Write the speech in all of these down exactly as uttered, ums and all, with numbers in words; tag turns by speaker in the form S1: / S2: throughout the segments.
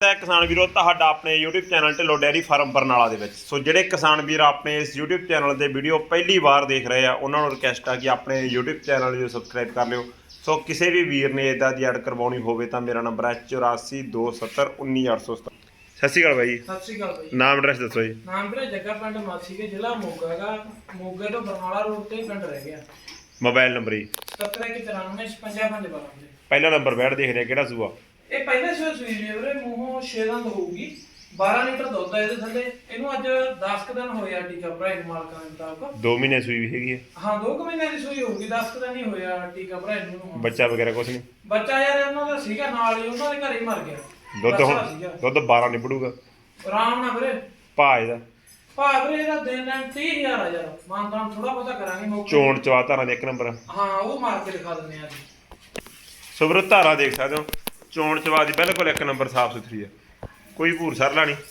S1: है किसान वीरो तुहाडा अपने YouTube channel Dhillon dairy farm Barnala दे विच। सो जिहड़े किसान वीर अपने इस यूट्यूब चैनल दे वीडियो पहली बार देख रहे हैं उन्होंने रिक्वेस्ट है कि अपने यूट्यूब चैनल जो सबसक्राइब कर लियो। सो किसी भी वीर ने इदा की ऐड करवानी होवे तां मेरा नंबर है चौरासी दो सत्तर उन्नी अठ सौ सत्तर। सत श्री अकाल भाई।
S2: सत श्री अकाल भाई।
S1: नाम एड्रैस दसो जी।
S2: नाम ਵੀਰੇ ਜੱਗਾ ਪਿੰਡ ਮਾਸੀ ਕੇ ਜ਼ਿਲ੍ਹਾ ਮੋਗਾ ਹੈਗਾ। ਮੋਗੇ ਤੋਂ ਬਰਨਾਲਾ ਰੋਡ ਤੇ ਪਿੰਡ ਰਹਿ ਗਿਆ।
S1: मोबाइल नंबर जी
S2: सत्तर एक चौरानवे छपंजा पंज बारह।
S1: पहला नंबर बैठ देख रहे किहड़ा सूआ
S2: ਇਹ ਪਹਿਲੇ ਸੂਏ ਸੂਈ ਜੀ ਵੀਰੇ ਮੂੰਹੋਂ ਛੇ ਦੰਦ ਹੋਊਗੀ। ਬਾਰਾਂ ਲੀਟਰ ਦੁੱਧ ਹੈ ਇਹਦੇ ਥੱਲੇ। ਇਹਨੂੰ ਅੱਜ ਦਸ ਕੁ ਦਿਨ ਹੋਏ ਆ ਟੀਕਾ ਭਰਾਏ ਨੂੰ ਮਾਲਕਾਂ ਦੇ ਮੁਤਾਬਕ।
S1: दो महीने सूई भी हैगी है।
S2: ਹਾਂ ਦੋ ਕੁ ਮਹੀਨੇ ਦੀ ਸੂਈ ਹੋਊਗੀ। ਦਸ ਕੁ ਦਿਨ ਹੀ ਹੋਇਆ ਟੀਕਾ ਭਰਾਏ ਨੂੰ।
S1: बच्चा वगैरह कुछ नहीं।
S2: ਬੱਚਾ ਯਾਰ ਉਹਨਾਂ ਦਾ ਸੀਗਾ ਨਾਲ ਹੀ ਉਹਨਾਂ ਦੇ ਘਰੇ ਹੀ ਮਰ ਗਿਆ।
S1: दुध हुण दुध बारह निबड़ूगा
S2: ਆਰਾਮ ਨਾਲ ਵੀਰੇ।
S1: भाव ਇਹਦਾ
S2: ਭਾਅ ਵੀਰੇ ਇਹਦਾ ਦਿਨ ਦਿਨ तीह हज़ार ਆ ਯਾਰ। ਮਾਨਤਾਨ ਥੋੜਾ ਬਹੁਤਾ ਕਰਾਂਗੇ ਮੌਕੇ।
S1: ਚੋਣ ਚਵਾ ਧਾਰਾਂ ਦੇ ਇੱਕ ਨੰਬਰ।
S2: ਹਾਂ ਉਹ ਮਾਰ ਕੇ ਦਿਖਾ ਦਿੰਦੇ ਆ ਜੀ।
S1: ਸੋ ਵੀਰੋ ਧਾਰਾ ਦੇਖ ਸਕਦੇ ਹੋ ਚੋਣ ਚਵਾ ਦੀ ਬਿਲਕੁਲ ਇੱਕ ਨੰਬਰ ਸਾਫ ਸੁਥਰੀ ਹੈ। ਕੋਈ ਭੂਰ ਸਰਲਾ ਨਹੀਂ।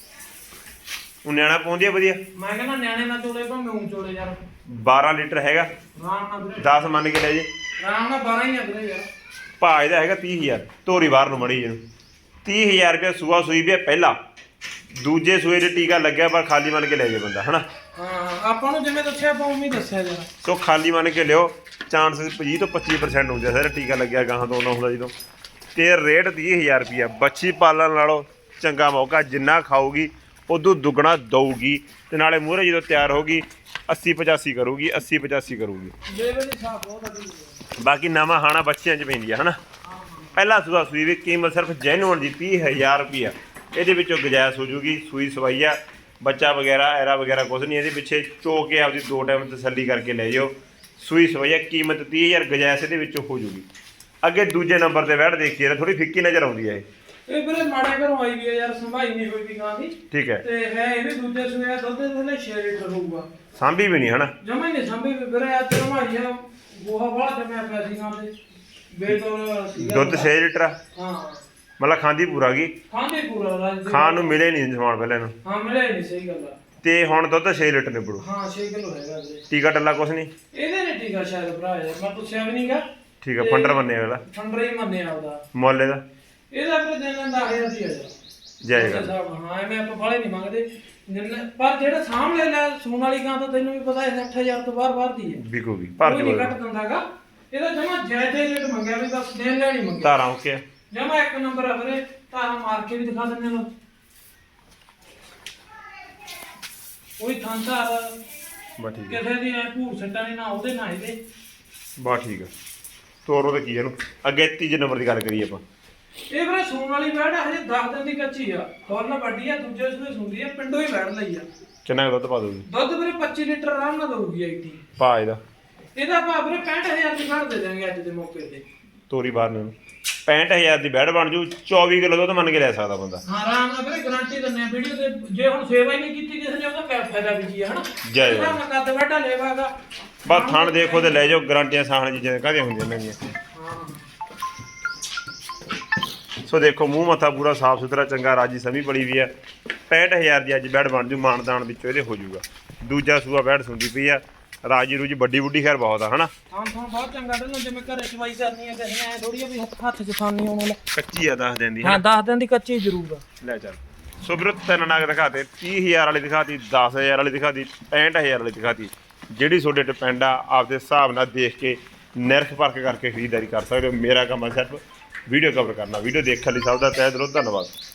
S1: ਉਹ ਨਿਆਣਾ ਪਾਉਂਦੀ ਆ ਵਧੀਆ।
S2: ਮੈਂ ਕਹਿੰਦਾ ਨਿਆਣੇ ਨਾਲ ਚੋਲੇ ਭਾਵੇਂ ਊਂ ਚੋਲੇ ਯਾਰ।
S1: ਬਾਰਾਂ ਲੀਟਰ ਹੈਗਾ।
S2: ਆਰਾਮ ਨਾਲ ਵੀਰੇ।
S1: ਦਸ ਮੰਨ ਕੇ ਲੈ ਜੇ।
S2: ਆਰਾਮ ਨਾਲ ਬਾਰਾਂ ਹੀ ਆ ਵੀਰੇ ਯਾਰ।
S1: ਭਾਅ ਇਹਦਾ ਹੈਗਾ तीह हज़ार। ਧੋਰੀ ਬਾਹਰ ਨੂੰ ਮੜੀ ਇਹਨੂੰ तीह हज़ार ਰੁਪਏ ਸੂਆ ਸੂਈ ਵੀ ਪਹਿਲਾ। ਦੂਜੇ ਸੂਏ ਦੇ ਟੀਕਾ ਲੱਗਿਆ ਪਰ ਖਾਲੀ ਮੰਨ ਕੇ ਲੈ ਜੇ ਬੰਦਾ ਹਨਾ।
S2: ਹਾਂ ਆਪਾਂ ਨੂੰ ਜਿਵੇਂ ਦੱਸਿਆ ਆਪਾਂ ਉਵੇਂ ਹੀ ਦੱਸਿਆ ਯਾਰ।
S1: ਸੋ ਖਾਲੀ ਮੰਨ ਕੇ ਲਿਓ। ਚਾਂਸ ਵੀਹ ਤੋਂ ਪੱਚੀ ਪਰਸੈਂਟ ਹੁੰਦੇ ਸਰ ਟੀਕਾ ਲੱਗਿਆ ਗਾਹਾਂ ਤੋਂ ਨਾ ਹੁੰਦਾ ਜਦੋਂ। ਤੇ ਰੇਟ तीह हज़ार ਰੁਪਈਆ। ਬੱਚੀ ਪਾਲਣ ਨਾਲੋਂ ਚੰਗਾ ਮੌਕਾ। ਜਿੰਨਾ ਖਾਊਗੀ ਉਦੋਂ ਦੁੱਗਣਾ ਦਊਗੀ ਤੇ ਨਾਲੇ ਮੂਹਰੇ ਜਦੋਂ ਤਿਆਰ ਹੋਗੀ अस्सी पचासी ਕਰੂਗੀ अस्सी पचासी ਕਰੂਗੀ।
S2: ਲੇਵਲ ਦੀ ਸਾਫ ਬਹੁਤ ਅੱਛੀ।
S1: ਬਾਕੀ ਨਵਾਂ ਹਾਣਾ ਬੱਚਿਆਂ 'ਚ ਪੈਂਦੀ ਆ ਹਨਾ। ਪਹਿਲਾ ਸੂਆ ਸੂਈ ਵੀ ਕੀਮਤ ਸਿਰਫ ਜੈਨੂਅਨ ਦੀ तीह हज़ार ਰੁਪਈਆ। ਇਹਦੇ ਵਿੱਚੋਂ ਗੁਜਾਇਸ਼ ਹੋ ਜੂਗੀ। ਸੂਈ ਸਵਾਈ ਆ ਬੱਚਾ ਵਗੈਰਾ ਐਰਾ ਵਗੈਰਾ ਕੁਝ ਨਹੀਂ। ਇਹਦੇ ਪਿੱਛੇ ਚੋ ਕੇ ਆਪਦੀ ਦੋ ਟਾਈਮ ਤਸੱਲੀ ਕਰਕੇ ਲੈ ਜਾਓ। ਸੂਈ ਸਵਾਈ ਆ ਕੀਮਤ तीह हज़ार ਗੁਜਾਇਸ਼ ਇਹਦੇ ਵਿੱਚੋਂ ਹੋ ਜੂਗੀ। ਅੱਗੇ ਦੂਜੇ ਨੰਬਰ ਤੇ ਵੈੜ ਦੇਖੀਏ ਥੋੜੀ ਫਿੱਕੀ ਨਜ਼ਰ ਆਉਂਦੀ ਹੈ।
S2: ਇਹ ਵੀਰੇ ਮਾੜੇ ਘਰੋਂ ਆਈ ਵੀ ਆ ਯਾਰ। ਸੰਭਾਈ ਨਹੀਂ ਹੋਈ ਵੀ ਗਾਂ ਦੀ।
S1: ਠੀਕ ਹੈ।
S2: ਤੇ ਹੈ ਇਹ ਵੀ ਦੂਜੇ ਸੂਏ ਦੁੱਧ ਦੇ ਥੱਲੇ ਛੇ ਲੀਟਰ ਹੋਊਗਾ।
S1: ਸਾਂਭੀ ਵੀ ਨਹੀਂ ਹਨਾ।
S2: ਜਮਾ ਹੀ ਨਹੀਂ ਸੰਭੀ ਵੀ ਵੀਰੇ। ਅੱਜ ਰਮਾਈ ਆ ਗੋਹਾ ਵਾਲਾ ਜਮਿਆ ਪਿਆ ਸੀ ਗਾਂ ਦੇ। ਬੇਤੌਰ ਸੀਗਾ
S1: ਦੁੱਧ छह ਲੀਟਰ ਆ।
S2: ਹਾਂ
S1: ਮਤਲਬ ਖਾਂਦੀ ਪੂਰਾ ਗਈ।
S2: ਖਾਂਦੇ ਪੂਰਾ ਰਾਜ ਦੇ।
S1: ਖਾਣ ਨੂੰ ਮਿਲੇ ਨਹੀਂ ਸਮਾਨ ਪਹਿਲਾਂ ਨੂੰ।
S2: ਹਾਂ ਮਿਲੇ ਨਹੀਂ ਸਹੀ ਗੱਲ ਆ।
S1: ਤੇ ਹੁਣ ਦੁੱਧ छह ਲੀਟਰ ਨਿਬੜੂ।
S2: ਹਾਂ ਛੇ ਕਿਲੋ ਹੈਗਾ ਵੀਰੇ।
S1: ਟੀਕਾ ਟੱਲਾ ਕੁਛ ਨਹੀਂ।
S2: ਇਹਦੇ ਨੇ ਟੀਕਾ ਸ਼ਾਇਦ ਭਰਾ ਯਾਰ ਮੈਂ ਪੁੱਛਿਆ ਵੀ ਨਹੀਂਗਾ।
S1: ਠੀਕ ਆ ਫੰਡਰ ਮੰਨਿਆ ਵਾਲਾ।
S2: ਫੰਡਰ ਹੀ ਮੰਨਿਆ ਉਹਦਾ।
S1: ਮੁੱਲ ਇਹਦਾ
S2: ਇਹਦਾ ਵੀਰੇ ਦਿਨ ਦਿਨ ਦਸ ਹਜ਼ਾਰ ਦੀ ਆ ਯਾਰ।
S1: ਜੈ ਗੱਲ।
S2: ਹਾਂ ਐਵੇਂ ਆਪਾਂ ਫਾਲੇ ਨਹੀਂ ਮੰਗਦੇ। ਪਰ ਜਿਹੜਾ ਸਾਹਮਣੇ ਲੈ ਸੂਣ ਵਾਲੀ ਗਾਂ ਤਾਂ ਤੈਨੂੰ ਵੀ ਪਤਾ ਹੈ ਸੱਠ ਹਜ਼ਾਰ ਤੋਂ ਬਾਹਰ ਬਾਹਰ ਦੀ ਹੈ।
S1: ਵਿਕੂਗੀ ਭਰ
S2: ਕੋਈ
S1: ਕੇ
S2: ਨਹੀਂ ਘੱਟ ਦਿੰਦਾਗਾ। ਇਹਦਾ ਜਮਾ ਜਾਇਦੇ ਰੇਟ ਮੰਗਿਆ ਵੀ ਬਸ ਦੇਣ ਲੈਣੀ ਮੰਗਿਆ।
S1: ਧਾਰਾਂ ਓਕੇ
S2: ਜਮਾ ਇੱਕ ਨੰਬਰ ਆ ਵੀਰੇ। ਧਾਰਾਂ ਮਾਰ ਕੇ ਵੀ ਦਿਖਾ ਦਿੰਦੇ ਲੋ। ਕੋਈ ਥਾਂ ਧਾਰ
S1: ਬਾ ਠੀਕ ਹੈ।
S2: ਕਿਸੇ ਦੀ ਐ ਭੂਰ ਸੱਟਾਂ ਨਹੀਂ ਨਾ ਉਹਦੇ ਨਾ ਇਹਦੇ।
S1: ਬਾ ਠੀਕ ਆ ਤੋਰੋ ਤੇ ਕੀ ਇਹਨੂੰ। ਅੱਗੇ ਤੀਜੇ ਨੰਬਰ ਦੀ ਗੱਲ ਕਰੀਏ ਆਪਾਂ।
S2: ਇਹ ਵੀਰੇ ਸੂਣ ਵਾਲੀ ਬੈੜ ਹਜੇ ਦਸ ਦਿਨ ਦੀ ਕੱਚੀ ਆ। ਫੁੱਲ ਵੱਡੀ ਆ। ਦੂਜੇ ਸੂਏ ਸੁੰਦੀ ਆ। ਪਿੰਡੋਂ ਹੀ ਬੈੜ ਲਈ ਆ।
S1: ਕਿੰਨਾ ਕੁ ਦੁੱਧ ਪਾ ਦੋਗੇ।
S2: ਦੁੱਧ ਵੀਰੇ पच्चीस ਲੀਟਰ ਆਰਾਮ ਨਾਲ ਦਊਗੀ ਆਈਟੀ।
S1: ਪਾ ਇਹਦਾ
S2: ਇਹਦਾ ਭਾਅ ਵੀਰੇ पैंठ हज़ार ਦੀ ਘੱਟ ਦੇ ਦਾਂਗੇ ਅੱਜ ਦੇ ਮੌਕੇ ਤੇ।
S1: ਤੋਰੀ ਬਾਹਰ ਨੂੰ पैंठ हज़ार ਦੀ ਬੈੜ ਬਣ ਜੂ। चौबीस ਕਿਲੋ ਦੁੱਧ ਮੰਨ ਕੇ ਲੈ ਸਕਦਾ ਬੰਦਾ।
S2: ਹਾਂ ਆਰਾਮ ਨਾਲ ਵੀਰੇ ਗਾਰੰਟੀ ਦਿੰਦੇ ਆ ਵੀਡੀਓ ਤੇ। ਜੇ ਹੁਣ ਸੇਵਾ ਹੀ ਨਹੀਂ ਕੀਤੀ ਕਿਸੇ ਨੇ ਉਹਦਾ ਕਿਆ ਫਾਇਦਾ ਵੀ ਕੀ ਹੈ ਹਨਾ।
S1: ਜੈ
S2: ਇਹਦਾ ਮੈਂ ਕੱਦ ਵੱਡਾ ਲੈਵਾਗਾ।
S1: ਬਸ ਥਣ ਦੇਖੋ ਤੇ ਲੈ ਜਾਓ। ਗਾਰੰਟੀਆਂ ਸਾਹਣ ਚੀਜ਼ਾਂ ਕਾਹਦੀਆਂ ਹੁੰਦੀਆਂ ਇਹਨਾਂ ਦੀਆਂ।
S2: ਹਾਂ
S1: ਸੋ ਦੇਖੋ ਮੂੰਹ ਮੱਥਾ ਪੂਰਾ ਸਾਫ ਸੁਥਰਾ ਚੰਗਾ ਰਾਜੀ ਸਮੀ ਬੜੀ ਵੀ ਆ। पैंठ हज़ार ਦੀ ਅੱਜ ਬੈੜ ਬਣ ਜੂ। ਮਾਨਦਾਨ ਵਿੱਚੋਂ ਇਹਦੇ ਹੋ ਜੂਗਾ। ਦੂਜਾ ਸੂਆ ਬੈੜ ਸੁੰਦੀ ਪਈ ਆ। ਰਾਜੀ ਰੂਜੀ ਵੱਡੀ ਬੁੱਢੀ ਖੈਰ ਬਹੁਤ ਆ ਹਨਾ।
S2: ਹਾਂ ਹਾਂ ਬਹੁਤ ਚੰਗਾ ਢੱਲੋ। ਜਿਵੇਂ ਘਰੇ ਚਵਾਈ ਕਰਨੀ ਹੈ ਕਿਸੇ ਨੇ ਥੋੜੀ ਜਿਹੀ ਹੱਥ ਚ ਥਾਨੀ ਆਉਣ ਵਾਲਾ।
S1: ਕੱਚੀ ਆ ਦੱਸ ਦਿੰਦੀ
S2: ਹਾਂ ਦਸ ਦਿਨ ਦੀ ਕੱਚੀ ਜ਼ਰੂਰ ਆ।
S1: ਲੈ ਚੱਲ। ਸੋ ਵੀਰੋ ਤਿੰਨ ਨਾਗ ਦਿਖਾਤੇ। तीह हज़ार ਵਾਲੀ ਦਿਖਾਤੀ, दस हज़ार ਵਾਲੀ ਦਿਖਾਤੀ, पैंठ हज़ार ਵਾਲੀ ਦਿਖਾਤੀ। ਜਿਹੜੀ ਤੁਹਾਡੇ ਡਿਪੈਂਡ ਆ ਆਪਦੇ ਹਿਸਾਬ ਨਾਲ ਦੇਖ ਕੇ ਨਿਰਖ ਪਰਖ ਕਰਕੇ ਖਰੀਦਦਾਰੀ ਕਰ ਸਕਦੇ ਹੋ। ਮੇਰਾ ਕੰਮ ਆ ਸਿਰਫ ਵੀਡੀਓ ਕਵਰ ਕਰਨਾ। ਵੀਡੀਓ ਦੇਖਣ ਲਈ ਸਭ ਦਾ ਤਹਿ ਦਿਲੋਂ ਧੰਨਵਾਦ।